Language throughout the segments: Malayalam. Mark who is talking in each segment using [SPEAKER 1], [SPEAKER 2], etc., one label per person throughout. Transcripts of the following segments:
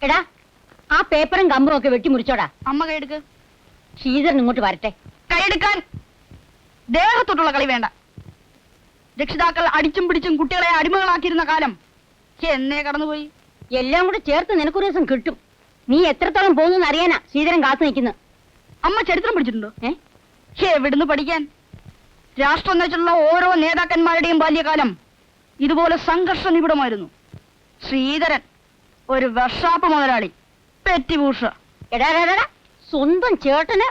[SPEAKER 1] എടാ ആ പേപ്പറും കമ്പും ഒക്കെ വെട്ടിമുറിച്ചോടാ.
[SPEAKER 2] അമ്മ കൈയെടുക്ക്.
[SPEAKER 1] ശ്രീധരൻ ഇങ്ങോട്ട് വരട്ടെ.
[SPEAKER 2] കൈയെടുക്കാൻ. ദേഹത്തൊട്ടുള്ള കളി വേണ്ട. രക്ഷിതാക്കൾ അടിച്ചും പിടിച്ചും കുട്ടികളെ അടിമകളാക്കിയിരുന്ന കാലം എന്നേ കടന്നുപോയി.
[SPEAKER 1] എല്ലാം കൂടെ ചേർത്ത് നിനക്കൊരു ദിവസം കിട്ടും. നീ എത്രത്തോളം പോകുന്നു അറിയാനാ ശ്രീധരൻ കാത്തു നിൽക്കുന്നത്.
[SPEAKER 2] അമ്മ ചരിത്രം പഠിച്ചിട്ടുണ്ടോ? എവിടുന്ന് പഠിക്കാൻ? രാഷ്ട്രം വെച്ചുള്ള ഓരോ നേതാക്കന്മാരുടെയും ബാല്യകാലം ഇതുപോലെ സംഘർഷ നിബിഡമായിരുന്നു. ശ്രീധരൻ ഒരു വർഷാപ്പ് മുതലാളി, പെറ്റിഭൂഷ.
[SPEAKER 1] എടാ സ്വന്തം ചേട്ടന്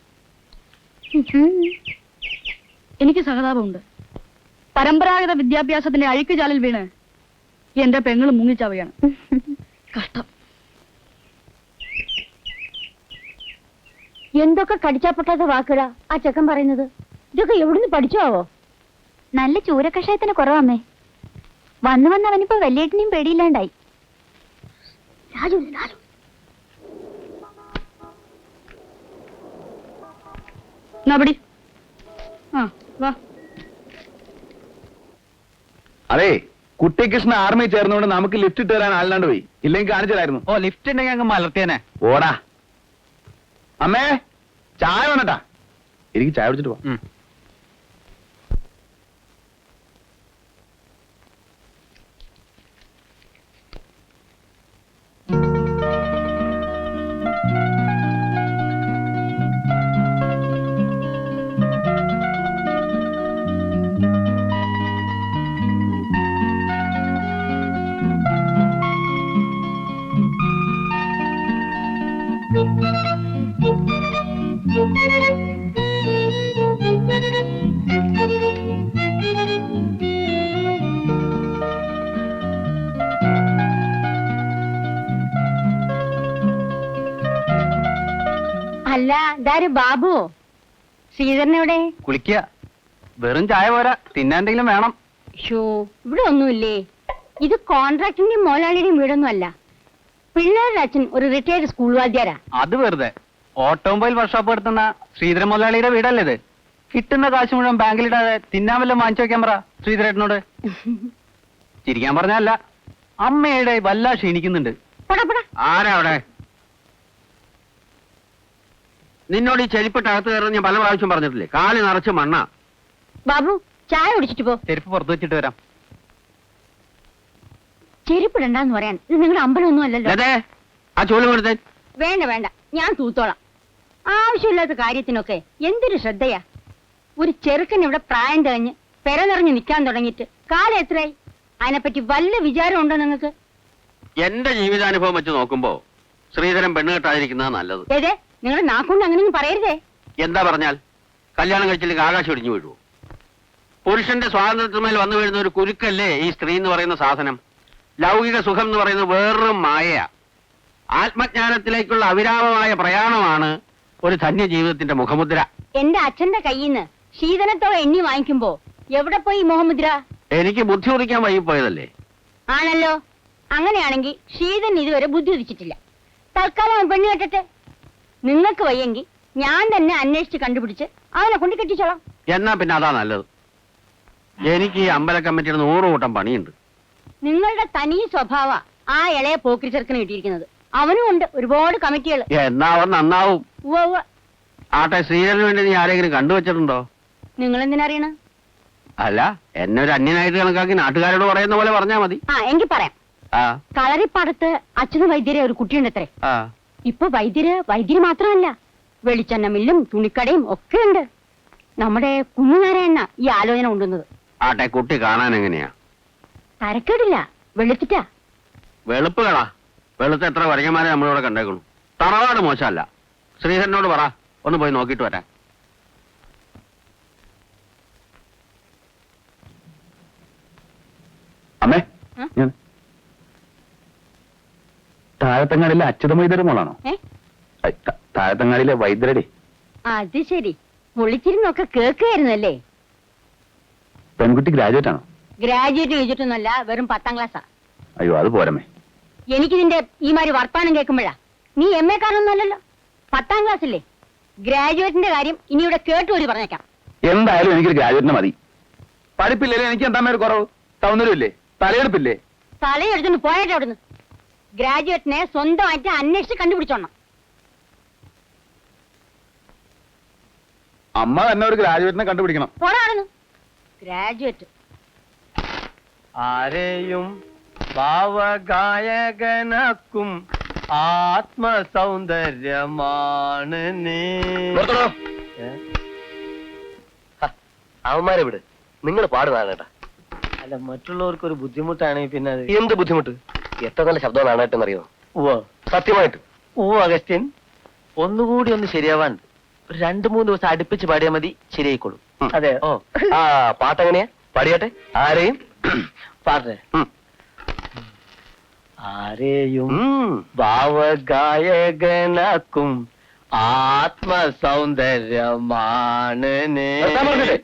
[SPEAKER 2] എനിക്ക് സഹതാപമുണ്ട്. പരമ്പരാഗത വിദ്യാഭ്യാസത്തിന്റെ അഴുക്കുചാലിൽ വീണ് എന്റെ പെങ്ങൾ മുങ്ങിച്ചാവുകയാണ്. കഷ്ടം.
[SPEAKER 1] എന്തൊക്കെ കടിച്ചാപ്പൊട്ടാത്ത വാക്കുകളാ ആ ചെക്കൻ പറയുന്നത്. ഇതൊക്കെ എവിടുന്ന് പഠിച്ചാവോ?
[SPEAKER 3] നല്ല ചൂരക്കഷായത്തിന് കുറവാമേ. വന്നു വന്ന് അവനിപ്പോ വലിയേട്ടനെയും പേടിയില്ലാണ്ടായി.
[SPEAKER 4] അതെ, കുട്ടികൃഷ്ണ ആർമി ചേർന്നുകൊണ്ട് നമുക്ക് ലിഫ്റ്റ് ഇട്ട് തരാൻ ആളില്ലാണ്ട് പോയി. ഇല്ലെങ്കിൽ കാണിച്ചായിരുന്നു.
[SPEAKER 5] ഓ, ലിഫ്റ്റ് ഉണ്ടെങ്കിൽ അങ്ങ് മലർത്തിയനെ.
[SPEAKER 4] ഓടാ. അമ്മേ, ചായ വേണട്ടാ. എനിക്ക് ചായ കുടിച്ചിട്ട് പോ.
[SPEAKER 1] അല്ല, ഇതാര് ബാബുവോ? ശ്രീധരനെവിടെ?
[SPEAKER 5] കുളിക്കുക. വെറും ചായ പോരാ, തിന്നാൻ വേണം.
[SPEAKER 1] ഷോ, ഇവിടെ ഒന്നുമില്ലേ? ഇത് കോൺട്രാക്ടിന്റെയും മോലാളിയുടെയും വീടൊന്നും അല്ല. പിള്ളേരുടെ അച്ഛൻ ഒരു റിട്ടയർഡ് സ്കൂൾ വാദ്യാരാ.
[SPEAKER 5] അത് വെറുതെ ഓട്ടോമൊബൈൽ വർക്ക്ഷോപ്പ് നടത്തുന്ന ശ്രീധരൻ മുതലാളിയുടെ വീടല്ലേ ഇത്? കിട്ടുന്ന കാശ് മുഴുവൻ ബാങ്കിലിടാതെ തിന്നാൻ വല്ലതും വാങ്ങിച്ചു വെക്കാൻ പറ ശ്രീധരേട്ടനോട്. ചിരിക്കാൻ പറഞ്ഞല്ല, അമ്മയുടെ വല്ല ക്ഷീണിക്കുന്നുണ്ട്.
[SPEAKER 6] ആരാ അവിടെ? നിന്നോട് ഈ ചെരുപ്പിട്ട് അകത്ത് കയറുന്ന ഞാൻ പല പ്രാവശ്യം പറഞ്ഞിട്ടില്ലേ? കാല് നിറച്ച് മണ്ണ.
[SPEAKER 1] ബാബു, ചായ കുടിച്ചിട്ട് പോ.
[SPEAKER 5] ചെരുപ്പ് പുറത്ത് വെച്ചിട്ട് വരാം.
[SPEAKER 1] ചെരുപ്പിടണ്ടെന്ന് പറയാൻ ഇത് നിങ്ങളുടെ അമ്പലമൊന്നും അല്ലല്ലോ.
[SPEAKER 6] അതെ, ആ ചോല് കൊടുത്തേ.
[SPEAKER 1] വേണ്ട വേണ്ട, ഞാൻ തൂത്തോളാം. ആവശ്യമില്ലാത്ത കാര്യത്തിനൊക്കെ എന്തൊരു ശ്രദ്ധയാ. ഒരു ചെറുക്കൻ ഇവിടെ പ്രായം തികഞ്ഞ് പെര നിറഞ്ഞ് നിൽക്കാൻ തുടങ്ങിയിട്ട് കാലം എത്രയായി? അതിനെപ്പറ്റി വല്ല വിചാരം ഉണ്ടോ നിങ്ങൾക്ക്?
[SPEAKER 6] എന്റെ ജീവിതാനുഭവം വെച്ച് നോക്കുമ്പോ ശ്രീധരൻ പെണ്ണ് കെട്ടാതിരിക്കുന്നതാ നല്ലത്.
[SPEAKER 1] ഏതേ, നിങ്ങളുടെ നാക്കൊണ്ട് അങ്ങനെയൊന്നും പറയരുതേ.
[SPEAKER 6] എന്താ പറഞ്ഞാൽ കല്യാണം കഴിച്ചില്ലെങ്കിൽ ആകാശം ഇടിഞ്ഞു വീഴുവോ? പുരുഷന്റെ സ്വാതന്ത്ര്യത്തിന്മേൽ വന്നു വീഴുന്ന ഒരു കുരുക്കല്ലേ ഈ സ്ത്രീ എന്ന് പറയുന്ന സാധനം. ലൗകിക സുഖം എന്ന് പറയുന്നത് വേറൊരു മായയാ. ആത്മജ്ഞാനത്തിലേക്കുള്ള അവിരാമമായ പ്രയാണമാണ് ഒരു ധന്യ ജീവിതത്തിന്റെ മുഖമുദ്ര.
[SPEAKER 1] എന്റെ അച്ഛന്റെ കയ്യിൽ നിന്ന് ശീതനത്തോടെ എണ്ണി വാങ്ങിക്കുമ്പോ എവിടെ പോയി മുഖമുദ്ര?
[SPEAKER 6] എനിക്ക് ബുദ്ധി ഉദിക്കാൻ വൈകിപ്പോയതല്ലേ.
[SPEAKER 1] ആണല്ലോ. അങ്ങനെയാണെങ്കിൽ ശീതൻ ഇതുവരെ ബുദ്ധി ഉദിച്ചിട്ടില്ല. തൽക്കാലം പെണ്ണ് കെട്ടട്ടെ. നിങ്ങൾക്ക് വയ്യെങ്കിൽ ഞാൻ തന്നെ അന്വേഷിച്ച് കണ്ടുപിടിച്ച് അവനെ കൊണ്ട് കെട്ടിച്ചോളാം.
[SPEAKER 6] എന്നാ പിന്നെ അതാ നല്ലത്. എനിക്ക് ഈ അമ്പല കമ്മിറ്റിയുടെ 100 കൂട്ടം പണിയുണ്ട്.
[SPEAKER 1] നിങ്ങളുടെ തനി സ്വഭാവ ആ ഇളയ പോക്കിരി ചെറുക്കന് കിട്ടിയിരിക്കുന്നത്. അവനും ഉണ്ട് ഒരുപാട് കമ്മിറ്റികൾ.
[SPEAKER 6] എന്നാ അവൻ നന്നാവും. ആട്ടെ, ശ്രീധരന് വേണ്ടി നീ ആരെങ്കിലും കണ്ടുവച്ചിട്ടുണ്ടോ?
[SPEAKER 1] നിങ്ങൾ എന്തിനറിയണ?
[SPEAKER 6] അല്ല, എന്നെ ഒരു അന്യനായിട്ട് കണക്കാക്കി നാട്ടുകാരോട് പറയുന്ന പോലെ പറഞ്ഞാ മതി.
[SPEAKER 1] ആ, എങ്കിൽ പറയാം. കളറിപ്പാടത്ത് അച്ഛന് വൈദ്യരെ ഒരു കുട്ടിയുണ്ട് അത്രേ. ഇപ്പൊ വൈദ്യര് മാത്രമല്ല, വെളിച്ചെണ്ണ മില്ലും തുണിക്കടയും ഒക്കെ ഉണ്ട്. നമ്മുടെ കുഞ്ഞുനാരായണ ഈ ആലോചന കൊണ്ടുവന്നത്.
[SPEAKER 6] ആട്ടെ, കുട്ടി കാണാൻ എങ്ങനെയാ?
[SPEAKER 1] തരക്കേടില്ല, വെളുത്തിട്ടാ.
[SPEAKER 6] വെളുപ്പ് കളാ. വെളുത്ത എത്ര വരങ്ങന്മാരെ നമ്മളിവിടെ കണ്ടേക്കണു. തറവാട് മോശമല്ല. ശ്രീധരനോട് പറ, ഒന്ന് പോയി നോക്കിയിട്ട് വരാൻ.
[SPEAKER 4] അമ്മേ, താഴത്തങ്ങാടിയിലെ അച്യുത വൈദ്യരുടെ മോളാണോ? താഴത്തങ്ങാടിയിലെ വൈദ്യരുടെ.
[SPEAKER 1] അത് ശരി, വിളിച്ചിരുന്നൊക്കെ കേൾക്കുകയായിരുന്നല്ലേ.
[SPEAKER 4] പെൺകുട്ടി ഗ്രാജുവേറ്റ് ആണോ?
[SPEAKER 1] ഗ്രാജുവേറ്റ് ചെയ്തിട്ടൊന്നുമല്ല, വെറും 10ാം ക്ലാസ്സാ.
[SPEAKER 4] അയ്യോ, അത് പോരമേ.
[SPEAKER 1] എനിക്കിതിന്റെ ഈ മാതിരി വർത്താനം കേൾക്കുമ്പോഴാ. നീ MA കാരൊന്നുമല്ലല്ലോ, 10ാം ക്ലാസ്സില്ലേ. ഗ്രാജുവേറ്റിന്റെ കാര്യം ഇനി ഇവിടെ കേട്ടുപോയി പറഞ്ഞേക്കാം.
[SPEAKER 4] എന്തായാലും എനിക്കൊരു ഗ്രാജുവേറ്റിനെ മതി. പഠിപ്പില്ലേ, എനിക്ക് എന്താ കുറവ്? സൗന്ദര്യമില്ലേ, തലയെടുപ്പില്ലേ?
[SPEAKER 1] തലയെടുത്തുകൊണ്ട് പോയാട്ടെ അവിടുന്ന്. ഗ്രാജുവേറ്റിനെ സ്വന്തമായിട്ട് അന്വേഷിച്ച് കണ്ടുപിടിച്ചോണം.
[SPEAKER 4] അമ്മ തന്നെ ഒരു ഗ്രാജുവേറ്റിനെ കണ്ടുപിടിക്കണം.
[SPEAKER 1] പോരാടുന്നു ഗ്രാജുവേറ്റ്.
[SPEAKER 5] ആരെയും ഭാവഗായകനാക്കും ആത്മസൗന്ദര്യമാണ് നീ.
[SPEAKER 7] അവന്മാരെ വിട്, നിങ്ങൾ പാടുന്നതാണ് കേട്ടാ.
[SPEAKER 5] അല്ല, മറ്റുള്ളവർക്ക് ഒരു ബുദ്ധിമുട്ടാണെങ്കിൽ പിന്നെ അത്
[SPEAKER 7] എന്ത് ബുദ്ധിമുട്ട്? എത്ര നല്ല ശബ്ദം നാണായിട്ടെന്നറിയോ?
[SPEAKER 5] ഉവ്വ
[SPEAKER 7] സത്യമായിട്ട്.
[SPEAKER 5] ഉവ്വ അഗസ്ത്യൻ.
[SPEAKER 7] ഒന്നുകൂടി ഒന്ന് ശരിയാവാൻ ഒരു 2-3 ദിവസം അടുപ്പിച്ച് പാടിയാൽ മതി, ശരിയായിക്കോളും.
[SPEAKER 5] അതെ.
[SPEAKER 7] ഓ ആ പാട്ടെങ്ങനെയാ? പാടിയാട്ടെ. ആരെയും
[SPEAKER 5] പാട്ടെ. ആരെയും
[SPEAKER 7] ഉം.
[SPEAKER 5] ഭാവഗായകനാക്കും ആത്മസൗന്ദര്യമാണ് നീ.
[SPEAKER 7] നിർത്താൻ പറഞ്ഞില്ലേ?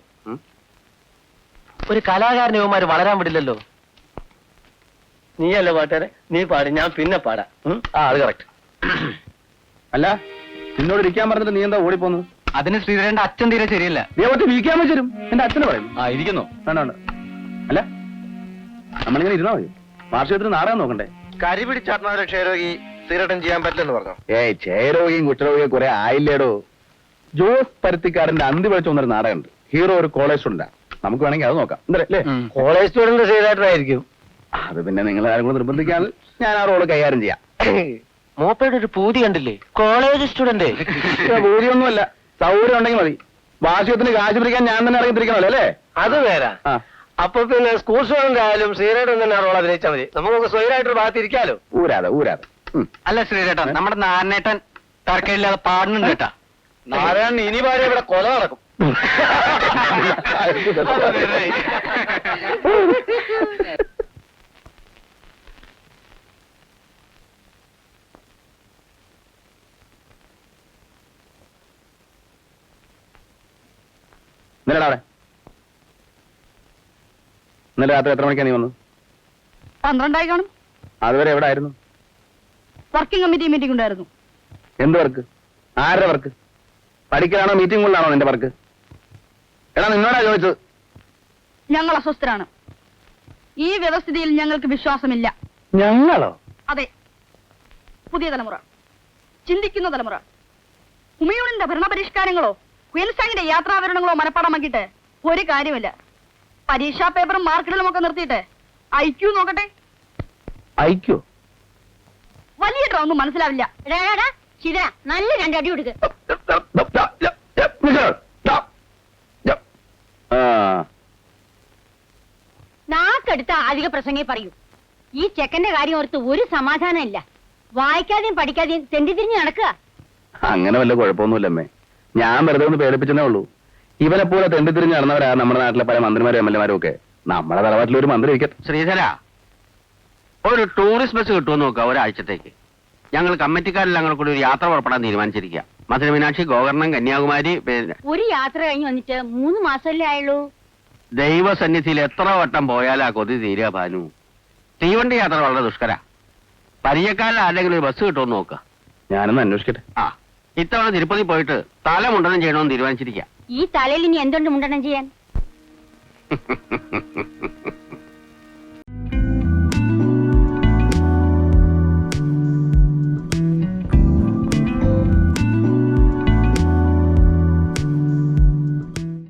[SPEAKER 7] ഒരു കലാകാരനെ ഇവന്മാര് വളരാൻ വിടില്ലല്ലോ.
[SPEAKER 5] നീയല്ല പാട്ടുകാരെ, നീ പാടി, ഞാൻ പിന്നെ പാടാം.
[SPEAKER 7] ആ അത് കറക്റ്റ്.
[SPEAKER 4] അല്ല, നിന്നോട് ഇരിക്കാൻ പറഞ്ഞിട്ട് നീ എന്താ ഓടിപ്പോന്നത്?
[SPEAKER 5] അതിന് ശ്രീധരന്റെ അച്ഛൻ തീരെ ശരിയല്ല.
[SPEAKER 4] നീ ഒറ്റ വീക്കാൻ വെച്ചും എന്റെ അച്ഛനെ പറയും. ആ ഇരിക്കുന്നോ? വേണ്ട വേണ്ട. അല്ല, നമ്മളിങ്ങനെ ഇരുന്നാ മതി. വാർഷികത്തിന് നാടകം നോക്കണ്ടേ?
[SPEAKER 7] കരി പിടിച്ചാത്മാവിനെ ക്ഷയരോഗി സ്ഥിരട്ടം ചെയ്യാൻ പറ്റില്ലെന്ന് പറഞ്ഞു.
[SPEAKER 4] ഏയ്, ക്ഷയരോഗിയും കുഷ്ഠരോഗിയും കുറെ ആയില്ലേടോ. ജോസ് പരുത്തിക്കാരന്റെ അന്തി വിളിച്ചു വന്നൊരു നാടകമുണ്ട്. ഹീറോ ഒരു കോളേജ് സ്റ്റുഡന്റാ. നമുക്ക് വേണമെങ്കിൽ അത് നോക്കാം. എന്തല്ലേ?
[SPEAKER 5] കോളേജ് സ്റ്റുഡന്റ് ശ്രീധരനായിരിക്കും.
[SPEAKER 4] അത് പിന്നെ നിങ്ങൾ ആരും കൂടെ നിർബന്ധിക്കാൻ ഞാൻ ആ റോള് കൈകാര്യം ചെയ്യാം.
[SPEAKER 7] മൂപ്പയുടെ ഒരു പൂതി കണ്ടില്ലേ? College student.
[SPEAKER 4] ഭൂരിയൊന്നുമല്ല, സൗകര്യം ഉണ്ടെങ്കിൽ മതി. വാർഷികത്തിന് കാശ് പിടിക്കാൻ ഞാൻ തന്നെ ഇറങ്ങിത്തിരിക്കണല്ലോ അല്ലേ?
[SPEAKER 7] അത് നേരാ.
[SPEAKER 4] ആ,
[SPEAKER 7] അപ്പൊ പിന്നെ സ്കൂൾ സ്റ്റുഡന്റ് ആയാലും ശ്രീധരൻ തന്നെ റോൾ അഭിനയിച്ചാൽ മതി. നമുക്ക് സ്വയമായിട്ടൊരു ഭാഗത്തിരിക്കാലോ.
[SPEAKER 4] ഊരാതെ ഊരാതെ.
[SPEAKER 6] അല്ല ശ്രീരേട്ടൻ, നമ്മുടെ നാരായണേട്ടൻ തർക്കമില്ലാതെ പാടുന്നുണ്ട് കേട്ടാ.
[SPEAKER 7] നാരായണൻ ഇനി പാടിയ ഇവിടെ കൊല നടക്കും.
[SPEAKER 4] ഇന്നലെ അവിടെ ഇന്നലെ രാത്രി എത്ര മണിക്കാണ് നീ വന്നത്?
[SPEAKER 2] 12 കാണും.
[SPEAKER 4] അതുവരെ എവിടെ ആയിരുന്നു?
[SPEAKER 2] വർക്കിംഗ് കമ്മിറ്റി മീറ്റിംഗ് ഉണ്ടായിരുന്നു.
[SPEAKER 4] എന്ത് വർക്ക്? ആരുടെ വർക്ക്? പഠിക്കലാണോ മീറ്റിംഗ് കൊണ്ടാണോ നിന്റെ വർക്ക്? എടാ, നിന്നോടാ ചോദിച്ചത്.
[SPEAKER 2] ഞങ്ങൾ അസ്വസ്ഥരാണ്. ഈ വ്യവസ്ഥിതിയിൽ ഞങ്ങൾക്ക് വിശ്വാസമില്ല.
[SPEAKER 4] ഞങ്ങളോ?
[SPEAKER 2] അതെ, പുതിയ തലമുറ, ചിന്തിക്കുന്ന തലമുറ. ഹുമയൂണിന്റെ ഭരണപരിഷ്കാരങ്ങളോ ക്വീൻസാങ്ങിന്റെ യാത്രാവിവരണങ്ങളോ മനപ്പാടമാക്കിയിട്ട് ഒരു കാര്യമില്ല. പരീക്ഷാ പേപ്പറും മാർക്കിടലും ഒക്കെ നിർത്തിയിട്ട് IQ നോക്കട്ടെ.
[SPEAKER 4] അയക്കോ?
[SPEAKER 2] വലിയ ഒന്നും മനസ്സിലാവില്ല.
[SPEAKER 1] ശിവ, നല്ല രണ്ടടി കൊടുക്ക്. നാക്കെടുത്ത അധിക പ്രസംഗേ പറയൂ. ഈ ചെക്കന്റെ കാര്യം ഓർത്ത് ഒരു സമാധാനം ഇല്ല. വായിക്കാതെയും പഠിക്കാതെയും തെണ്ടിതിരിഞ്ഞ് നടക്കുക.
[SPEAKER 4] അങ്ങനെ വല്ല കുഴപ്പമൊന്നുമില്ലമ്മേ. ഞാൻ വെറുതെ ഒന്ന് പേടിപ്പിച്ചേ ഉള്ളൂ. ഇവനെ പോലെ തെണ്ടിത്തിരിഞ്ഞ് നടന്നവരാ നമ്മുടെ നാട്ടിലെ പല മന്ത്രിമാരും MLA മാരും ഒക്കെ. നമ്മുടെ തലവാട്ടിൽ ഒരു മന്ത്രി ഇരിക്കട്ടെ.
[SPEAKER 6] ശ്രീധര, ഒരു ടൂറിസ്റ്റ് ബസ് കിട്ടുമെന്ന് നോക്കുക ഒരാഴ്ചത്തേക്ക്. ഞങ്ങൾ കമ്മിറ്റിക്കാരെല്ലാം കൂടെ കൂടി ഒരു യാത്ര പുറപ്പെടാൻ തീരുമാനിച്ചിരിക്കുക. മധുര മീനാക്ഷി, ഗോകർണം, കന്യാകുമാരി.
[SPEAKER 1] ഒരു യാത്ര കഴിഞ്ഞ് വന്നിട്ട് 3 മാസമല്ലേ ആയുള്ളൂ.
[SPEAKER 6] ദൈവസന്നിധിയിൽ എത്ര വട്ടം പോയാലാ കൊതി തീരുക ഭാനു. തീവണ്ടി യാത്ര വളരെ ദുഷ്കര. പരിചയക്കാരിൽ ആരെങ്കിലും ഒരു ബസ് കിട്ടുമെന്ന് നോക്കുക.
[SPEAKER 4] ഞാനൊന്ന് അന്വേഷിക്കട്ടെ.
[SPEAKER 6] ആ, ഇത്തവണ തിരുപ്പതി പോയിട്ട് തല മുണ്ടനം ചെയ്യണമെന്ന് തീരുമാനിച്ചിരിക്കുക.
[SPEAKER 1] ഈ തലയിൽ ഇനി എന്തുണ്ട് മുണ്ടനം ചെയ്യാൻ?